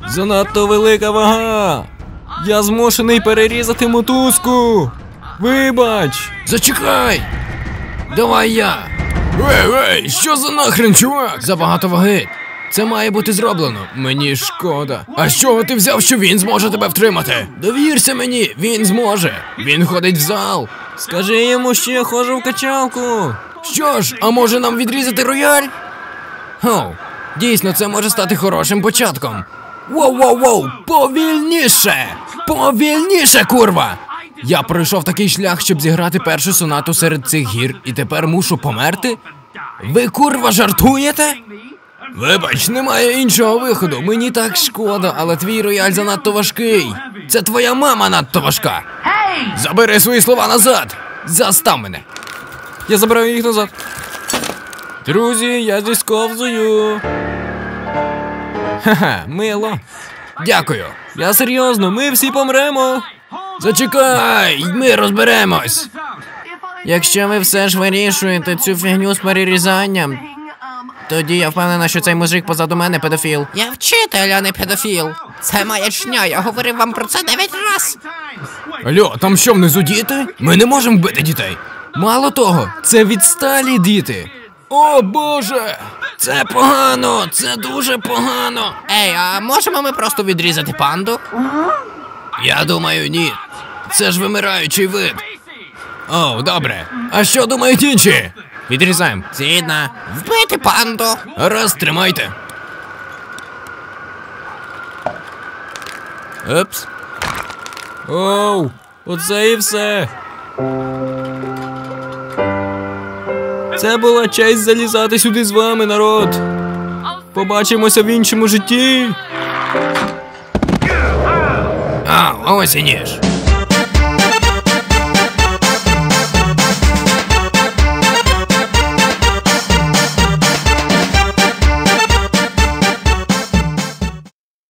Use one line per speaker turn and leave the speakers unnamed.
Занадто велика вага. Я змушений перерізати мотузку. Вибач.
Зачекай! Давай я! Ей, що за нахрен, чувак? Забагато ваги. Це має бути зроблено. Мені шкода. А з чого ти взяв, що він зможе тебе втримати? Довірся мені, він зможе. Він ходить в зал.
Скажи йому, що я ходжу в качалку.
Що ж, а може нам відрізати рояль? Хоу, дійсно, це може стати хорошим початком. Воу, повільніше! Повільніше, курва! Я пройшов такий шлях, щоб зіграти першу сонату серед цих гір, і тепер мушу померти? Ви, курва, жартуєте? Вибач, немає іншого виходу. Мені так шкода, але твій рояль занадто важкий. Це твоя мама надто важка. Забери свої слова назад. Застав мене.
Я забираю їх назад. Друзі, я зісковзую. Ха-ха, мило.
Дякую.
Я серйозно, ми всі помремо.
Зачекай, ми розберемось.
Якщо ви все ж вирішуєте цю фігню з перерізанням, тоді я впевнена, що цей мужик позаду мене педофіл. Я вчитель, а не педофіл. Це маячня, я говорив вам про це 9 раз.
Алло, там що, внизу діти? Ми не можемо бити дітей. Мало того, це відсталі діти. О, Боже! Це погано, це дуже погано.
Ей, а можемо ми просто відрізати панду?
Я думаю, ні. Це ж вимираючий вид. О, добре. А що думають інші?
Відрізаємо.
Згідно. Вбити панду.
Раз, тримайте.
Епс. Оу, оце і все. Це була честь залізати сюди з вами, народ. Побачимося в іншому житті.
А, ось і ніж.